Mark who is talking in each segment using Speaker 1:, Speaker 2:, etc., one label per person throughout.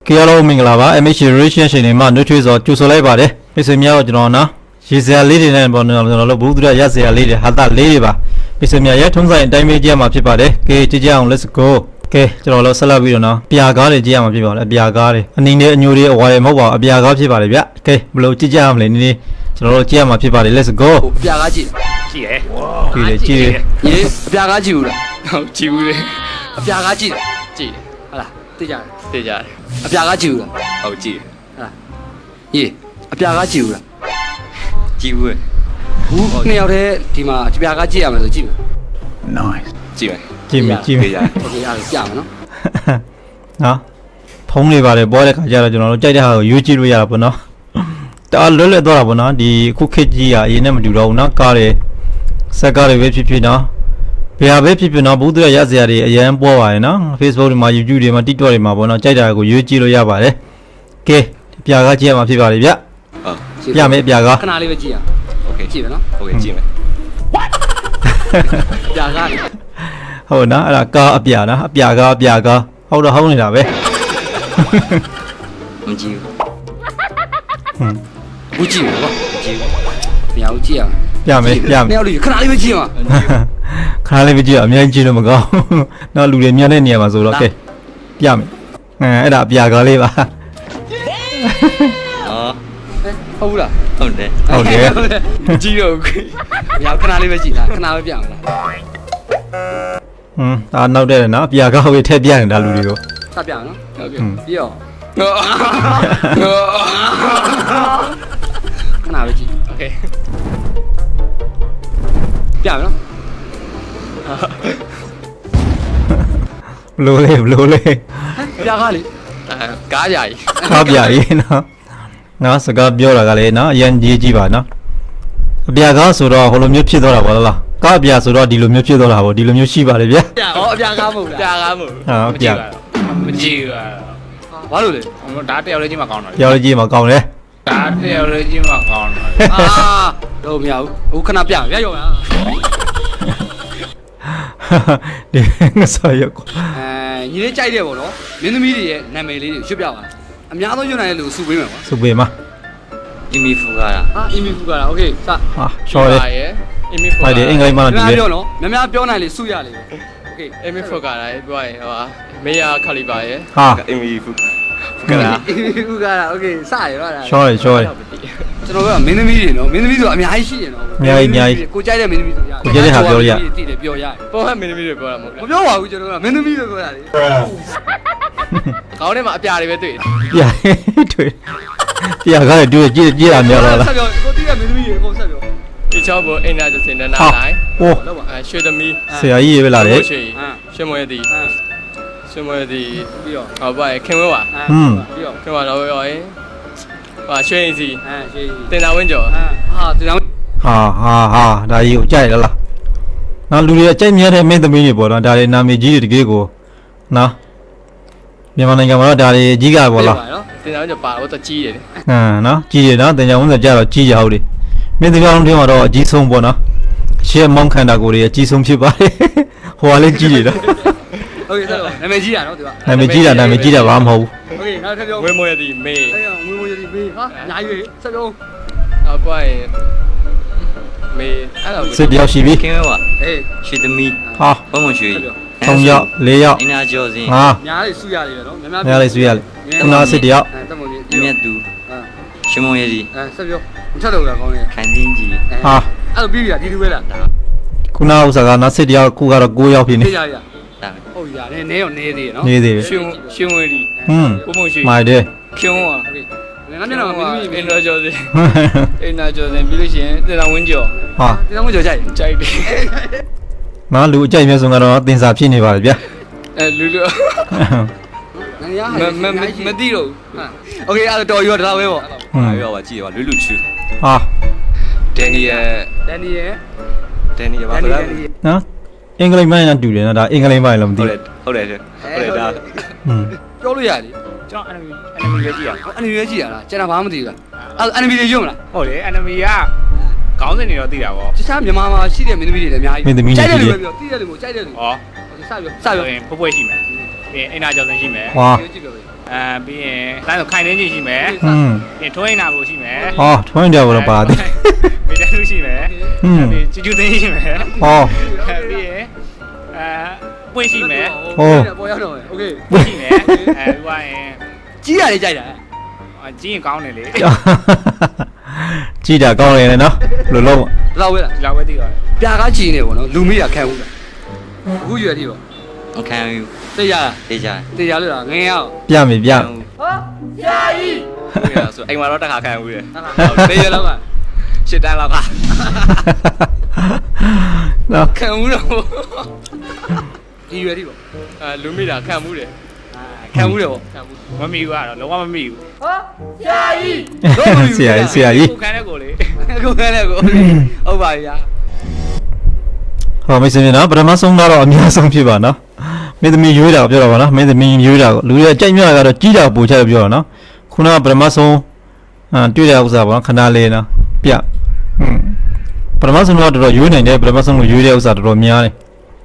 Speaker 1: Hello မင်္ဂလာပါ MH Relation ရှင်တွေမှာနှွေးထွေးစွာကြိုဆိုလိုက်ပါတယ်မိတ်ဆွေများတော့ကျွန်တော်နော်ရေစရာလေးတွေနဲ့ပေါ့ကျွန်တော်တို့ဘူးသူရရစရာလေးတွေဟာတာလေးတွေပါမိတ်ဆွေများရဲ့ထုံးစံအတိုင်းပဲကြည့်ရမှာဖြစ်ပါတယ်ကဲကြည့်ကြအောင် let's go ကဲကျွန်တော်တို့ဆက်လက်ပြီးတော့နော်အပြာကားတွေကြည့်ရမှာဖြစ်ပါလေအပြာကားတွေအနည်းနဲ့အညိုတွေအဝါတွေမဟုတ်ပါဘူးအပြာကားဖြစ်ပါလေဗျကဲဘယ်လိုကြည့်ကြရမလဲနည်းနည်းကျွန်တော်တို့ကြည့်ရမှာဖြစ်ပါလေ let's go
Speaker 2: အပြာကားကြည့်
Speaker 3: ကြည့်တယ်
Speaker 1: ကြည့်တယ်
Speaker 2: ရေအပြာကားကြည့်ဘူးလား
Speaker 3: ဟုတ်ကြည့်ဘူးလေ
Speaker 2: အပြာကားကြည့်
Speaker 3: ကြည့်တယ်
Speaker 2: ဟုတ်လားသိကြတယ်
Speaker 3: သိကြတယ်
Speaker 2: အပြာကားကြည့်ဘူးလား
Speaker 3: ဟုတ်ကြည့်တယ်
Speaker 2: ဟုတ်လားရေအပြာကားကြည့်ဘူးလား
Speaker 3: ကြည့်ဘူးလေ
Speaker 2: ဘူးနှစ်ယောက်တည်းဒီမှာအပြာကားကြည့်ရမယ်ဆိုကြည့်မယ်
Speaker 3: nice ကြည့်မယ်
Speaker 1: ကြည့်မယ်
Speaker 3: သိကြတယ်
Speaker 2: โอเคအဲ့ဒါပြမယ်နော်
Speaker 1: နော်ဖုံးလေးပါတယ်ပေါ်တဲ့ခါကျတော့ကျွန်တော်တို့ကြိုက်တဲ့ဟာကိုယူကြည့်လို့ရတာပေါ့နော်တအားလွတ်လပ်သွားတာပေါ့နော်ဒီခုခေတ်ကြီးကအရင်နဲ့မတူတော့ဘူးနော်ကားတွေစက်ကားတွေပဲဖြစ်ဖြစ်နော်ဘယ်ဟာပဲဖြစ်ဖြစ်နော်ဘူးသူရရစရာတွေအရန်ပေါ်ပါတယ်နော် Facebook တွေမှာ YouTube တွေမှာ TikTok တွေမှာပေါ့နော်ကြိုက်တာကိုယူကြည့်လို့ရပါတယ်ကဲပြာကားကြည့်ရမှာဖြစ်ပါလေဗျ
Speaker 3: ဟုတ်
Speaker 1: ပြမယ်ပြာကား
Speaker 2: ခဏလေးပဲကြည့်ရ
Speaker 3: โอเค
Speaker 2: ကြည့်မယ်နော်
Speaker 3: โอเคကြည့်မယ်
Speaker 2: အပြာကားလေ
Speaker 1: ဟုတ်နော်အဲ့ဒါကားအပြာနော်အပြာကားဟုတ်တော့ဟုတ်နေတာပဲ
Speaker 3: မကြည့်ဘူး
Speaker 2: ဘူးကြည့်မယ်ကွာ
Speaker 3: ကြည့်ဘူး
Speaker 2: မရဘူးကြည့်ရမယ်
Speaker 1: ပြမယ်ပြမယ်
Speaker 2: နှစ်ယောက်လေးခဏလေးပဲကြည့်ရမှာ
Speaker 1: ခါလေးပဲကြည့်အများကြီးကြည့်လို့မကောင်းနော်လူတွေမြန်တဲ့နေရာမှာဆိုတော့ကဲပြမယ်အဲ့ဒါအပြာကားလေးပါ
Speaker 3: အော်
Speaker 2: ဟုတ်ဘူးလား
Speaker 3: ဟုတ်တယ်
Speaker 1: ဟုတ်တယ်
Speaker 3: ကြည့်တော့
Speaker 2: မရဘူးခဏလေးပဲကြည့်တာခဏပဲပြမယ်လား
Speaker 1: ဒါနောက်တဲ့နော်အပြာကားဝေးထည့်ပြနေတာလူတွေကို
Speaker 2: စပြမယ်နော်
Speaker 3: ဟုတ်ကဲ့
Speaker 2: ပြီးတော့ခဏပဲကြည့်
Speaker 3: โอเค
Speaker 2: ပြမယ်နော်
Speaker 1: ဘလို့လေး
Speaker 2: ပြာကားလေ
Speaker 3: ကားကြကြီး
Speaker 1: ကားပြရေးနော်ငါစကားပြောတာကလည်းနော်အရင်ကြီးကြည့်ပါနော်အပြာကားဆိုတော့ဟိုလိုမျိုးဖြစ်သွားတာပေါ့လားကားအပြာဆိုတော့ဒီလိုမျိုးဖြစ်သွားတာပေါ့ဒီလိုမျိုးရှိပါလေဗျာ
Speaker 2: ဟောအပြာကားမဟုတ်
Speaker 3: ပြာ
Speaker 2: လား
Speaker 3: ကားမို့
Speaker 1: ဟာပြာ
Speaker 3: မကြည့်ဘူး
Speaker 2: ဘာလို့လဲ
Speaker 3: ဒါတယောက်လေးချင်းမှကောင်းတာ
Speaker 1: ပြောလို့ကြည့်မှာကောင်းတယ်
Speaker 3: ဒါတယောက်လေးချင်းမှကောင်းတာ
Speaker 2: အာတော့မရဘူးအခုခဏပြမယ်ရောရ
Speaker 1: ဒီငါဆောရက်ကို
Speaker 2: ညီလေးကြိုက်တယ်ပေါ့နော်မင်းသမီးတွေရဲ့နာမည်လေးတွေရွတ်ပြပါအများဆုံးရွတ်နိုင်တဲ့လူစုပေးမယ်ကွာ
Speaker 1: စုပေးမှာ
Speaker 3: အီမီဖူကားတာ
Speaker 2: ဟာအီမီဖူကလားโอเคစ
Speaker 1: ဟာရှော်တယ်
Speaker 3: အီမီဖူ
Speaker 1: ဟုတ်တယ်အင်္ဂလိပ်မှာ
Speaker 2: များ
Speaker 1: တူတယ်
Speaker 2: ပြောနော်များပြောနိုင်လေစုရလေโอเค
Speaker 3: အီမီဖူကားတာပြောရင်ဟိုမေယာခလီပါရဲ့
Speaker 1: ဟာ
Speaker 3: အီမီဖူကားတာ
Speaker 2: အီမီဖူကလားโอเคစရရောလား
Speaker 1: ရှော်တယ်
Speaker 2: ကျွန်တော်ကမင်းသမီးတွေနော်မင်းသမီးဆိုတာအများကြီးရှိတယ်နော်ကိုကြိုက်တဲ့မင်းသမီးဆိုရတည်တယ်ပြောရ
Speaker 3: ပေါ်ဟဲ့မင်းသမီးတွေပြောတာမဟုတ်
Speaker 2: မပြောပါဘူးကျွန်တော်ကမင်းသမီးလို့ပြောတာလေ
Speaker 3: ခေါင်းထဲမှာအပြာတွေပဲတွေ့တယ်
Speaker 1: ပြတွေ့ပြကားလည်းတွေ့ကြည့်တာများတော့လား
Speaker 2: ဆက်ပြောကိုတီးတဲ့မင်းသမီးတွေအကုန်ဆက်ပြော
Speaker 3: ဒီချောဘောအင်နာဂျစင်နနာ
Speaker 1: ဟာ
Speaker 3: နိုင်
Speaker 1: ဟို
Speaker 2: လောက်ပါ
Speaker 3: ရွှေသမီး
Speaker 1: ဆရာကြီးရေပဲလာတယ်
Speaker 3: ရွှေရွှေမွေသည်ရွှေမွေသည်
Speaker 2: ပြီးတော့
Speaker 3: ဟောပါခင်ဝဲပါ
Speaker 2: ပြီးတော့
Speaker 3: ခင်ဝဲတော့ရောရင်ဟာရွှေရင်စီ
Speaker 2: ရှေး
Speaker 3: တင်တာဝင်းကျော်
Speaker 2: ဟာဒီတော့
Speaker 1: ဟာဒါကြီးကိုကြိုက်လားနော်လူတွေအကြိုက်များတဲ့မင်းသမီးတွေပေါ့နော်ဒါတွေနာမည်ကြီးတွေတကယ်ကိုနော်မြန်မာနိုင်ငံမှာတော့ဒါတွေအကြီးကပေါ့လား
Speaker 3: တင်တာဝင်းကျော်ပါတော့တကြီးတယ်
Speaker 1: နော်ကြီးရနော်တင်ကြဝန်ဆက်ကြတော့ကြီးကြဟုတ်တယ်မင်းတရားလုံးထဲမှာတော့အကြီးဆုံးပေါ့နော်ရှေ့မောင်းခန္ဓာကိုယ်တွေအကြီးဆုံးဖြစ်ပါတယ်ဟိုကလည်းကြီးတယ်နော်
Speaker 2: โอเคဆက်တော့နာမည်ကြီးတာနော်ဒီက
Speaker 1: နာမည်ကြီးတာဘာမှမဟုတ်ဘူး
Speaker 2: โอเคနောက်ထပ်ပြော
Speaker 3: ဝင်းမွေသည်မေ
Speaker 2: အဲ့ငွေငွေရည်ပေးဟာညာရွေးဆက်ပြော
Speaker 3: ဟောပါရင်မေအဲ့တော့
Speaker 1: စစ်တယောက်ရှိပြီ
Speaker 4: ခင်ဗျာ
Speaker 2: အေး
Speaker 4: ရွှေသမီး
Speaker 1: ဟာ
Speaker 4: ဘုံမရွှေ
Speaker 1: 3ယောက်4ယောက်
Speaker 4: အင်နာကျော်စင်
Speaker 1: ငါ
Speaker 2: ညာလေးစုရတယ်နော်များ
Speaker 1: များလေးဆွေးရလေခုနစစ်တယောက်
Speaker 2: တက်မလို့
Speaker 4: အမြတ်သူရှမုံရည်
Speaker 2: ဆက်ပြောမထက်တော့လားကောင်းရဲ့
Speaker 4: ခိုင်တင်းကြီး
Speaker 1: ဟာ
Speaker 2: အဲ့လိုပြီးပြီလားဒီလူပဲလား
Speaker 1: ခုနဥစ္စာကနောက်စစ်တယောက်ခုကတော့9ယောက်ဖြစ်နေ
Speaker 2: ပြေးရရ
Speaker 4: ဒါ
Speaker 2: ဟုတ်ရနေနေရောနေသေးရနော်
Speaker 1: နေသေးတယ်
Speaker 3: ရွှေမွေသည်
Speaker 1: ဟွန်း
Speaker 3: ဘုံမရွှေ
Speaker 1: မိုက်တယ်
Speaker 3: ခင်ဝဲ
Speaker 2: โอเคငါမျက်နှာမှာမင်းသမီး
Speaker 3: အင်နာကျော်စင်အင်နာကျော်စင်ပြီးလို့ရှိရင်တင်တာဝင်းကျော်
Speaker 1: ဟာ
Speaker 2: ဒီတော့မကြောက်ကြိုက်
Speaker 3: ကြိုက်တယ်
Speaker 1: နော်လူအကြိုက်မျိုးဆုံးကတော့တင်စာဖြစ်နေပါလေဗျာ
Speaker 3: လူလူ
Speaker 2: ငါရ
Speaker 3: မသိတော့
Speaker 2: โอเคအဲ့တော့တော်ရောဒါပဲပေါ့
Speaker 1: ဟွန်း
Speaker 3: ပြောပါကြည့်ပါလွတ်လွတ်ချူ
Speaker 1: ဟာ
Speaker 3: ဒန်နီယယ်
Speaker 2: ဒန်နီယယ်
Speaker 3: ဒန်နီယယ်ပါ
Speaker 2: ဒန်နီ
Speaker 3: လား
Speaker 2: ယယ်
Speaker 1: နော်အင်္ဂလိပ်မိုင်းနဲ့တူတယ်နော်ဒါအင်္ဂလိပ်မိုင်းလည်းမသိ
Speaker 3: ဟုတ်တ
Speaker 1: ဘူး
Speaker 3: ယ်ဟုတ်တယ်ဒါ
Speaker 1: ဟွန်း
Speaker 2: ပြောလို့ရလေ
Speaker 3: ကျွန်တော် enemy ပဲကြည့်ရ
Speaker 2: အန်နီပဲကြည့်ရလားကျွန်တော်ဘာမှမသိဘူးလားအဲ့အန်နီတွေရုံမလား
Speaker 3: ဟုတ်တယ် enemy ကခေါင်းစဉ်တွေတော့သိတာပေါ့
Speaker 2: တခြားမြန်မာမှာရှိတဲ့မင်းသမီးတွေလည်းအများကြီးကြိုက်တယ်လို့ပဲပြောသိတယ်လို့ကြိုက်တယ်လို့
Speaker 3: ဟော
Speaker 2: စပြောစ
Speaker 3: စ
Speaker 2: ပြော
Speaker 3: ရင်ဖွယ်ဖွယ်ရှိမယ်ပြီးရင်အင်နာကျော်စင်ရှိမယ်
Speaker 1: ဟာ
Speaker 2: ကြည့်ပြောပဲ
Speaker 3: ပြီးရင်တိုင်းဆိုခိုင်နေကြီးရှိမယ်
Speaker 1: อืม
Speaker 3: ပြီးထွင်းနာဖို့ရှိမယ်
Speaker 1: ဟောထွန်းကြတော့ပါတယ်
Speaker 3: မိသားစုရှိမယ်ပြီးချူချူသိန်းရှိမယ်
Speaker 1: ဟော
Speaker 3: ပြီးရင်ပွင့်ရှိမယ်
Speaker 2: ပေါ်ရောက်တော့မယ်โอเค
Speaker 3: ပွင့်ရှိမယ်ပြီးသွားရင်
Speaker 2: ကြီးရတယ်ကြိုက်တာ
Speaker 3: ကြီးရင်ကောင်းတယ်လေ
Speaker 1: ကြည်တာကောင်းတယ်နော်လို့လုံး
Speaker 2: လောက်ဝဲလား
Speaker 3: ဒီလောက်ပဲသိတော့
Speaker 2: ပြာကားကြီးနေပေါ့နော်လူမိတာခံဘူးလားအခုရွယ်တိပေါ့
Speaker 4: အခန်းယူ
Speaker 2: သိရ
Speaker 4: တေးကြ
Speaker 2: သိရလို့လားငင်းရအောင်
Speaker 1: ပြမိပြ
Speaker 3: ဆိုအိမ်မှာတော့တစ်ခါခံဘူးတယ်
Speaker 2: သိရလောက်က
Speaker 3: ရှစ်တန်းလောက်က
Speaker 1: နော်
Speaker 2: ခံဘူးတော့ဒီရွယ်တိပေါ့
Speaker 3: လူမိတာခံမှုတယ်
Speaker 2: ခံဘူးတယ်ပေါ့
Speaker 3: ခံမှုမမီဘူးကတော့လုံးဝမမီဘူး
Speaker 1: ဆရာကြီး
Speaker 3: ကိုခံတဲ့ကိုလေ
Speaker 2: အခုခဲလဲကိုဟုတ်ပါပြီဗျာ
Speaker 1: ဟောမိတ်ဆွေများနော်ပထမဆုံးကတော့အများဆုံးဖြစ်ပါနော်မင်းသမီးရွေးတာကိုပြောတာပါနော်မင်းသမီးရွေးတာကိုလူတွေကကြိုက်မြတာကတော့ကြီးတာပူချတယ်ပြောတာနော်ခုနကပထမဆုံးတွေ့တဲ့ဥစ္စာပေါ့နော်ခဏလေးနော်ပြပထမဆုံးတော့တော်တော်ရွေးနိုင်တယ်ပထမဆုံးကိုရွေးတဲ့ဥစ္စာတော်တော်များတယ်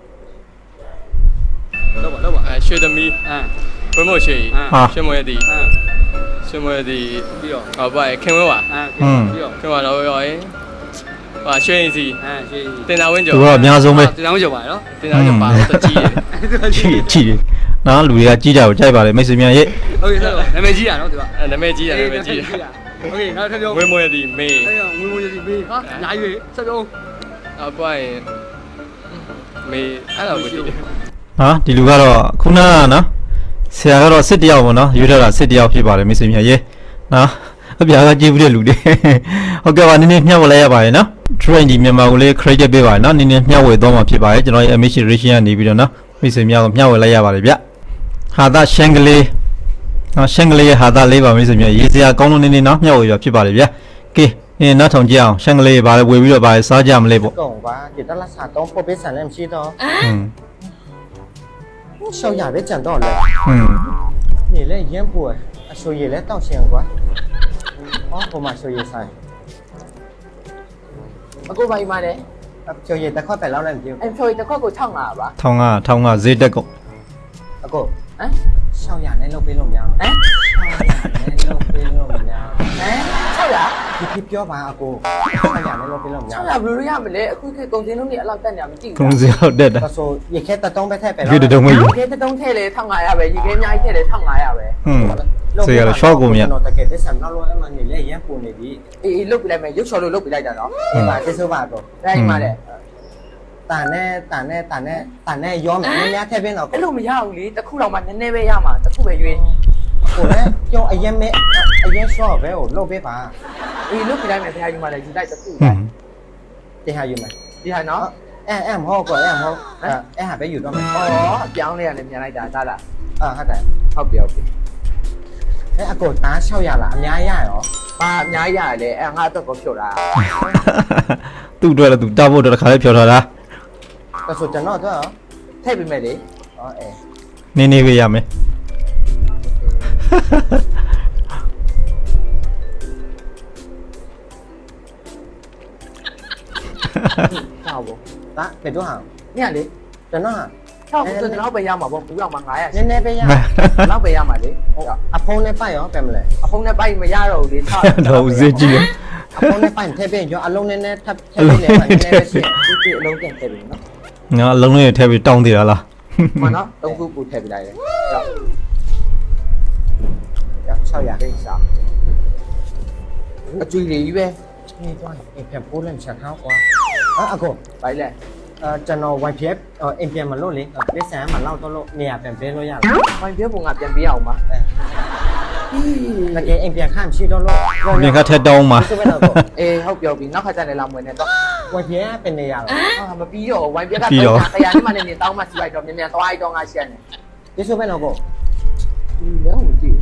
Speaker 2: လောက်ပါ
Speaker 3: ရွှေသမီးဘုံမို့ရွှေ
Speaker 1: ဟာ
Speaker 3: ရွှေမွေသည်ရွှေမွေသည်
Speaker 2: ပြီးတော့
Speaker 3: ဟောပါခင်ဝဲပါ
Speaker 2: ပြီးတော့
Speaker 3: ခင်ဝဲတော့ရောရင်ဟာရွှေရင်စီ
Speaker 2: ရှေး
Speaker 3: တင်တာဝင်းကျော်
Speaker 1: သူကအများဆုံးပဲ
Speaker 2: တင်အောင်ကြော်ပါနော်
Speaker 3: တင်တာဝင်းကျော်ပါတော့ကြီးတယ်
Speaker 1: ကြီးတယ်နော်လူတွေကကြီးတာကိုကြိုက်ပါတယ်မိတ်ဆွေများရဲ့
Speaker 2: ဟုတ်ကဲ့ဆက်တော့နာမည်ကြီးရနော်သူက
Speaker 3: နာမည်ကြီးတယ်နာမည်ကြီးတယ်
Speaker 2: โอเคနောက်ထပ်ပြော
Speaker 3: ဝင်းမွေသည်မေး
Speaker 2: အဲ့ငွေငွေကြီးမေးဟာညာရွေးဆက်ပြော
Speaker 3: အပွားရင်မေးအဲ့လိုပဲကြည့်တယ်
Speaker 1: ဟာဒီလူကတော့ခုနကနော်ဆရာကတော့စစ်တယောက်ပေါ့နော်ရွေးထားတာစစ်တယောက်ဖြစ်ပါတယ်မိတ်ဆွေများရဲ့နော်အပြာကကြည့်ဘူးတဲ့လူတွေဟုတ်ကဲ့ပါနည်းနည်းမျှဝေလိုက်ရပါတယ်နော် train ဒီမြန်မာကိုလေး credit ပေးပါတယ်နော်နည်းနည်းမျှဝေသွားမှာဖြစ်ပါတယ်ကျွန်တော်ရဲ့ MH Ration ကနေပြီးတော့နော်မိတ်ဆွေများကိုမျှဝေလိုက်ရပါတယ်ဗျဟာသာရှန်ကလေးနော်ရှန်ကလေးရဲ့ဟာသာလေးပါမိတ်ဆွေများရေးစရာကောင်းလို့နည်းနည်းနော်မျှဝေရဖြစ်ပါတယ်ဗျကဲနောက်ထောင်ကြည့်အောင်ရှန်ကလေးပါလေဝေပြီးတော့ပါလေစားကြမလဲပေါ့
Speaker 5: 讲吧，给他拉萨东破别山那么些的，小雅别讲到了，你来烟波，小野来到县管，哦，我嘛小野山，
Speaker 6: အခုဘာကြီးမလဲ
Speaker 5: 小野得快白老人丢，
Speaker 6: အဲ့ဖြိုတစ်ခွက်ကို65ပါ
Speaker 1: ထောင်ကဈေးတက်ကုန်
Speaker 5: 阿哥，
Speaker 6: ဟမ်
Speaker 5: 小雅那路边路苗，
Speaker 6: ဟမ်
Speaker 5: 那路边路苗，
Speaker 6: ဟမ်600
Speaker 5: 你标吧阿哥，小雅那路边路苗，
Speaker 6: 600ဘယ်လိုရမလဲအခုခေတ်ကုန်စည်နှုန်းတွေအဲ့လောက်တက်နေမှမကြည့်
Speaker 1: ကု
Speaker 6: ဘူး
Speaker 1: န်းစရာတက်တာ
Speaker 5: 他说也开得东北太白老
Speaker 1: ဒီတုံးမယူ
Speaker 6: ရေတတုံးထဲလေ1500ပဲရေခဲအများကြီးထဲလေ1500ပဲ
Speaker 1: ဆေးရတော့ရှော့ကုန်မြတ်
Speaker 5: တော့တကယ်တဲ့ဆန်တော့လို့အမှနေလေရန်ပုံနေပြီ
Speaker 6: အေးလုတ်ပြလိုက်မယ်ရုပ်ချော်လို့လုတ်ပြလိုက်တာနော်
Speaker 5: ဒီမှာကျေးဇူးပါတော့
Speaker 6: ဒါကြီးမလဲ
Speaker 5: တန်နဲ့ရောမယ်နည်းနည်းထည့်ပေးတော့
Speaker 6: အဲ့လိုမရဘူးလေတစ်ခုတော့မှနည်းနည်းပဲရမှာတစ်ခုပဲရွေး
Speaker 5: ကိုလည်းကြောက်အရင်မဲ့အရင်ရှော့ပဲကိုလုတ်ပေးပါ
Speaker 6: အေးလုတ်ပြလိုက်မယ်ဖခင်ကြီးမလဲယူလိုက်တစ်ခုပဲ
Speaker 5: တင်ဟာယူမယ်
Speaker 6: ဒီဟာနော်
Speaker 5: အဲ့မဟုတ်ကောအဲ့မဟုတ်အဲ့ဟာပဲယူတော့မယ်
Speaker 6: ဩအပြောင်းလေးရတယ်မြန်လိုက်တာသားလား
Speaker 5: ဟုတ်တယ်
Speaker 6: ဟုတ်ပြီဟုတ်ပြီ
Speaker 5: အဲ့အကိုတား600လားအများရရော
Speaker 6: ဘာအများကြီးရတယ်လေအဲ့ငါအတွက်ကိုဖြုတ်တာ
Speaker 1: သူ့အတွက်လည်းသူတာဖို့တော့တစ်ခါလေးဖြော်ထားတာ
Speaker 5: ဒါဆိုကျွန်တော်တော့
Speaker 6: ထည့်ပေးမယ်လေ
Speaker 5: ဟောအဲ
Speaker 1: နင်းနေပေးရမယ်
Speaker 6: ဟောဘော
Speaker 5: ဒါဘယ်တော့ဟာ
Speaker 6: ညလေ
Speaker 5: ကျွန်တော်ဟာ
Speaker 6: 6ဆိုတော့ပဲရမှာပေါ့ဘူးတော့မှ900
Speaker 5: နည်းနည်းပဲရ
Speaker 6: နောက်ပဲရမှာလေ
Speaker 5: အဖုံးနဲ့ပိုက်ရောပဲမလဲ
Speaker 6: အဖုံးနဲ့ပိုက်မရတော့ဘူးလေထား
Speaker 1: တော့ဈေးကြီးတယ်
Speaker 5: အဖုံးနဲ့ပိုက်ထည့်ပေးရောအလုံးနဲ့ထပ်ထည့်ပေးနေမှာနည်းနည်းပဲရှိ
Speaker 6: ဒီအလုံးတင်ထည့်ပြီနော်
Speaker 1: ငါအလုံးလေးထည့်ပြီးတောင်းသေးတာလား
Speaker 6: မနော်သုံးခုပူထည့်ပြလိုက်တယ်ကြောက်
Speaker 5: 600ပဲစား
Speaker 6: အကျွေးလေးကြီးပဲ
Speaker 5: นี่တော့အိမ်ပြန်ပိုးလည်းချက်ထားကွာအကို
Speaker 6: ဘိုင်လဲ
Speaker 5: ကျွန်တော် wifi အိမ်ပြန်မလို့လေပစ္စံမလောက်တော့လို့နေရာပြန်ပေးလို့ရလား
Speaker 6: ဘိုင်ပြပုံကပြန်ပေးအောင်ပါ
Speaker 5: တကယ်အိမ်ပြန်ခန့်ရှိတော့လို့
Speaker 1: မြင်ခတ်ထက်တောင်းမှာ
Speaker 5: ဆိုပဲတော့
Speaker 6: အေးဟုတ်ပြောပြီနောက်ခါကျရင်လာမွေးနေတော့
Speaker 5: wifi เป็นနေရလား
Speaker 6: ဟာမပြီးတော့ဝိုင်ပြကတော့ခရနဲ့မှလည်းနေတောင်းမှစီလိုက်တော့မြန်မြန်သွားလိုက်တော့ငါရှက်နေ
Speaker 5: ဒီဆိုပဲတော့ကို
Speaker 6: ဒီလည်းဟုတ်ကြည့်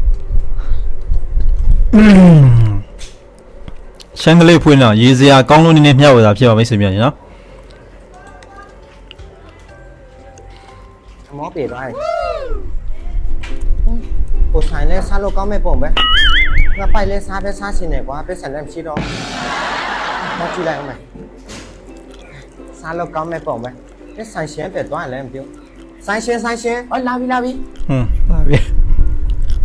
Speaker 1: ရှန်ကလေးဖွင့်တော့ရေးစရာကောင်းလို့နည်းနည်းမျှဝေတာဖြစ်ပါမိတ်ဆွေများနော်
Speaker 5: မောပြေသွားတယ်ကိုဆိုင်လဲစားလို့ကောင်းမဲ့ပုံပဲငါပိုက်လဲစားပဲစားရှင်နေကွာပစ္စံလည်းမရှိတော့မကြည့်လိုက်အောင်မယ်စားလို့ကောင်းမဲ့ပုံပဲဒီဆိုင်ရှင်ပဲသွားလည်းမပြောဆိုင်ရှင်
Speaker 6: ဟောလာပြီ
Speaker 1: ပါပြီ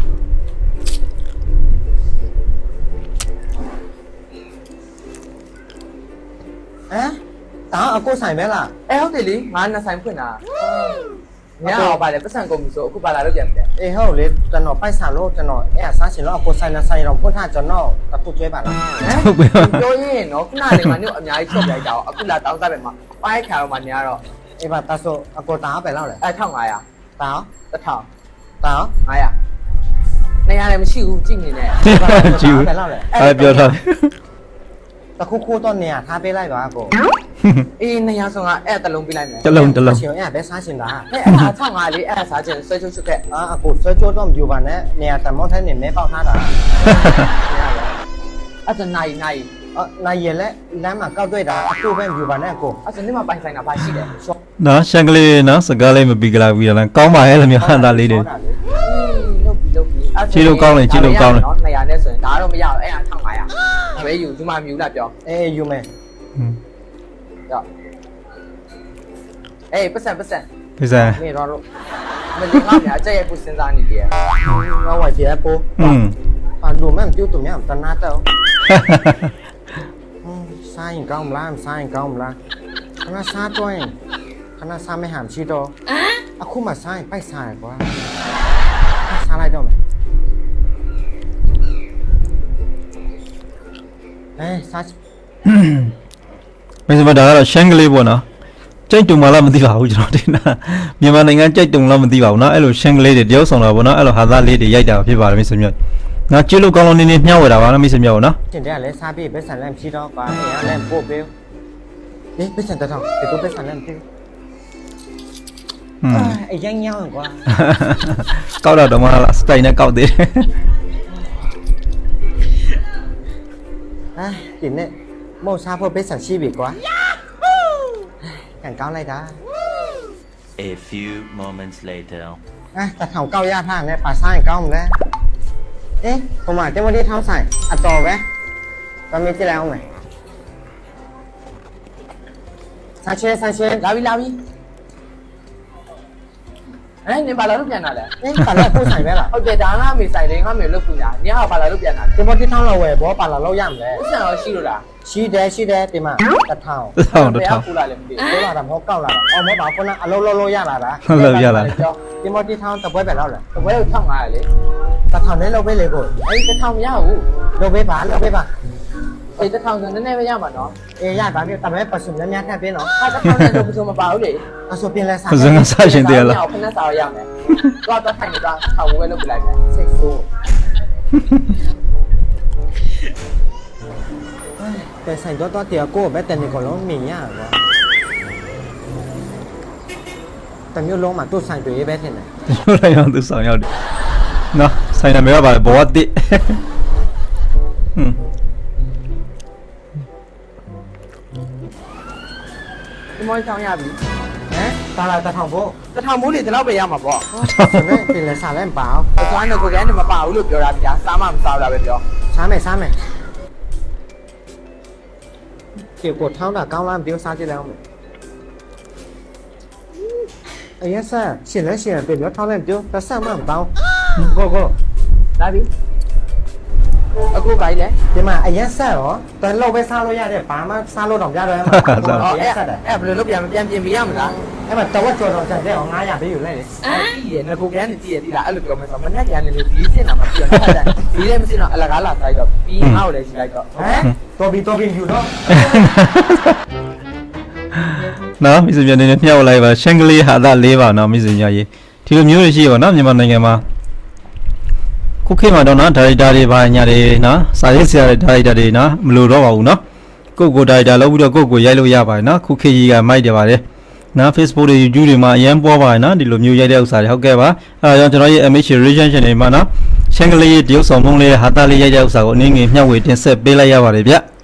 Speaker 5: တာအကိုဆိုင်ပဲလား
Speaker 6: အဲဟုတ်တယ်လေငါနှစ်ဆိုင်ဖွင့်တာညအောင်ပါလေပတ်စံကုန်ပြီဆိုအခုပါလာလို့ပြန်ပြီ
Speaker 5: အေးဟုတ်လေကျွန်တော်ပိုက်စားလို့ကျွန်တော်အဲ့စားရှင်လို့အကိုဆိုင်နဲ့ဆိုင်တော့ဖွင့်ထားကျွန်တော်တခုကျွဲပါလား
Speaker 6: ဟုတ်ပြီပြောရင်နော်ခဏလေးမှညအများကြီးချုပ်လိုက်တာအခုလာတောင်းစားပဲမှာပိုင်းခါတော့မှညတော့
Speaker 5: အေးပါတဆိုအကိုတာပဲလောက်လေ
Speaker 6: အဲ1500
Speaker 5: တာ
Speaker 6: 1000
Speaker 5: တာ
Speaker 6: 900 200လည်းမရှိဘူးကြည့်နေနဲ့
Speaker 1: ကြည့်ဦး
Speaker 5: ပဲလောက်လေ
Speaker 1: အဲ့ပြောထား
Speaker 5: တခုခုတော့နေရထားပေးလိုက်ပါအကို
Speaker 6: အေး200ဆုံးကအဲ့တလုံးပြလိုက်မယ်
Speaker 1: တလုံးတလုံး
Speaker 5: ရှင်အဲ့ပဲစားရှင်တာ
Speaker 6: အဲ့အား1500လေးအဲ့စားခြင်းဆွဲချုပ်ချုပ်ခဲ့
Speaker 5: အကိုဆွဲချိုးတော့မယူပါနဲ့နေရတမောထဲနေမဲပေါက်ထားတာ
Speaker 6: အဲ့ဒါနိုင်
Speaker 5: နိုင်ရလဲလမ်းမှာကောက်တွေ့တာအခုပဲယူပါနဲ့အကို
Speaker 6: အဲ့ဒါနေ့မှပိုင်ဆိုင်တာဘာရှိလဲရှော့
Speaker 1: နော်ရှန်ကလေးနော်စကားလေးမပြီးကြလားပြီးလားကောင်းပါရဲ့လို့မျိုးဟန်တာလေးတွေ
Speaker 6: လုပ်ပြီ
Speaker 1: ကြည့်လို့ကောင်းတယ်ကြည့်လို့ကောင်းတယ်
Speaker 6: နော်200နဲ့ဆိုရင်ဒါတော့မရတော့အဲ့အား1500ဒါပဲယူမှမြူလာပြော
Speaker 5: အေးယူမယ်
Speaker 6: ကြောက်အေးပတ်စံ
Speaker 1: ပြစံ
Speaker 5: နေတော့လို့
Speaker 6: မလင်းငါများကြက်ရဲ့ကိုစဉ်းစားနေတယ်
Speaker 5: ငါဝိုင်ပြပိုး à đồ mấy tiêu tụi nhá tao nát đâu sai cao mà sai cao mà nó xa thôi nó xa mấy hàm chi đâu à khu mà sai bay sai quá xa lại đâu mày ê xa
Speaker 1: bây giờ mà đó là shang kလေးပေါ့နော်ကြိတ်တုံမလားမသိပါဘူးကျွန်တော်တင်တာမြန်မာနိုင်ငံကြိတ်တုံလားမသိပါဘူးเนาะအဲ့လိုရှန်ကလေးတွေတယောက်ဆောင်တာပေါ့နော်အဲ့လိုဟာသားလေးတွေရိုက်တာဖြစ်ပါတယ်မိတ်ဆွေမျိုးငါကြည့်လို့ကောင်းလို့နေနေမျှဝေတာပါနော်မိတ်ဆွေမျိုးနော်
Speaker 5: trên đây là xa bị bé sản làm chi đó quá nhà làm bộ bêu đi bé sản tao thằng thì tôi bé sản làm chi ai danh nhau rồi quá
Speaker 1: ကောက်တော့မှလားစတိုင်နဲ့ကောက်သေးတယ်
Speaker 5: à tìm đấy màu xa phô bé sản chi bị quá càng cao này đã
Speaker 4: A few moments later.
Speaker 5: à ta thầu cao ra thang này bà sai cao không đấy ê không mà cái đi thao sai à to bé tao mới chơi nào mày sai chơi
Speaker 6: လာပြီအဲ့နင်ဘာလာလို့ပြန်လာလဲ
Speaker 5: ê bà lại cô sai bé là
Speaker 6: ဟုတ်တယ်ဒါငါမေဆိုင်လေးငါမေလုတ်ပူညာနင်ဟာဘာလာလို့ပြန်လာလဲ
Speaker 5: cái đi thao là về bó bà là lâu yam đấy
Speaker 6: ပတ်စံရောရှိလို့လား
Speaker 5: xí đé tìm mà ta thầu
Speaker 1: တောင်းတော့တောင်း
Speaker 6: ပူလာလည်းမသိ
Speaker 5: tôi là làm hố cao là ông mới bảo con à lâu ya là đã
Speaker 1: ဟုတ်လို့ရလာ
Speaker 5: cái đi thao tập với bé lâu rồi
Speaker 6: ဘူးဘယ်လို1500လဲ
Speaker 5: ta thầu đấy lâu với lấy rồi
Speaker 6: အဲ့တစ်ထောင်မရဘူး
Speaker 5: lâu với bà
Speaker 6: အဲ့တစ်ထောင်ဆိုနည်းနည်းပဲရမှာနော်
Speaker 5: ê ya bà biết tao mới bà sùng nhám nhát theo bên nó
Speaker 6: အဲ့တစ်ထောင်နဲ့တော့ဘယ်လိုမပါဘူးလေ
Speaker 5: ta số tiền là sao
Speaker 1: ပစံကစားရှင်သေးလား
Speaker 6: ခဏစားရမယ်တော့တော့ထိုင်နေတာထောင်ဝဲလုပ်ပြလိုက်မယ်
Speaker 5: xích xô cái sành to tiệt cô bé tên này còn nó mì nhá quá tao nhớ lông mà tôi sành tụi bé thế này
Speaker 1: တို့လည်းအောင်သူဆောင်ရောက်တယ်နော်ဆိုင်နာမည်ကပါလေဘောတိဟွန်း
Speaker 6: ဒီမောင်းချောင်းရပြီ
Speaker 5: hả tao là tao thằng vô
Speaker 6: တစ်ထောင်မိုးလေဒီလောက်ပဲရမှာပေါ့
Speaker 5: tiền là xả lên bảo
Speaker 6: အစွမ်းတော့ကိုကန်းနေမပါဘူးလို့ပြောတာဗျာစားမှမစားတာပဲပြော
Speaker 5: sáng mày kiểu cột tháo là cao lắm biểu sao chứ đâu mày ấy sao xin lấy tiền tiền nó tháo lên tiêu ta sao mà không tao go
Speaker 6: လာပြီအခုပါလေ
Speaker 5: nhưng mà ấy sao hả tao lâu với sao luôn nha để phá mà sao luôn đồng ra rồi em mà
Speaker 6: ဟော
Speaker 5: ấy sao đấy
Speaker 6: အဲ့ဘယ်လိုလုပ်ပြန်ပြင်ပြရမလား
Speaker 5: em mà tao có chuột rồi chẳng để họ ngay nhà ví dụ này
Speaker 6: ဒီရငကိုကန်းနေတည်ရဒီလားအဲ့လိုပြောမယ်ဆိုမနဲ့ကြံနေလို့ဒီစင်တာမပြောတာဒီလည်းမစင်တော့အလကားလာတိုက်တော့ပြီးငါ့ကိုလည်းရှိလိုက်တော့
Speaker 5: hả tôi bị dù đó
Speaker 1: နော်မိတ်ဆွေများနေနဲ့မျှဝေလိုက်ပါရှန်ကလေးဟာသား၄ပါနော်မိတ်ဆွေများရေဒီလိုမျိုးတွေရှိပါနော်မြန်မာနိုင်ငံမှာခုခေတ်မှာတော့နော်ဒါရိုက်တာတွေပါညာတွေနော်စာရေးဆရာတွေဒါရိုက်တာတွေနော်မလိုတော့ပါဘူးနော်ကိုဒါရိုက်တာလုပ်ပြီးတော့ကိုရိုက်လို့ရပါတယ်နော်ခုခေတ်ကြီးကမိုက်တယ်ပါတယ်နော် Facebook တွေ YouTube တွေမှာအရင်ပေါ်ပါတယ်နော်ဒီလိုမျိုးရိုက်တဲ့ဥစ္စာတွေဟုတ်ကဲ့ပါအဲဒါကြောင့်ကျွန်တော်ရဲ့ MH Reaction Channel မှာနော်ရှန်ကလေးရဲ့တရုပ်ဆောင်ဖုံးလေးဟာသားလေးရိုက်တဲ့ဥစ္စာကိုအနည်းငယ်မျှဝေတင်ဆက်ပေးလိုက်ရပါတယ်ဗျ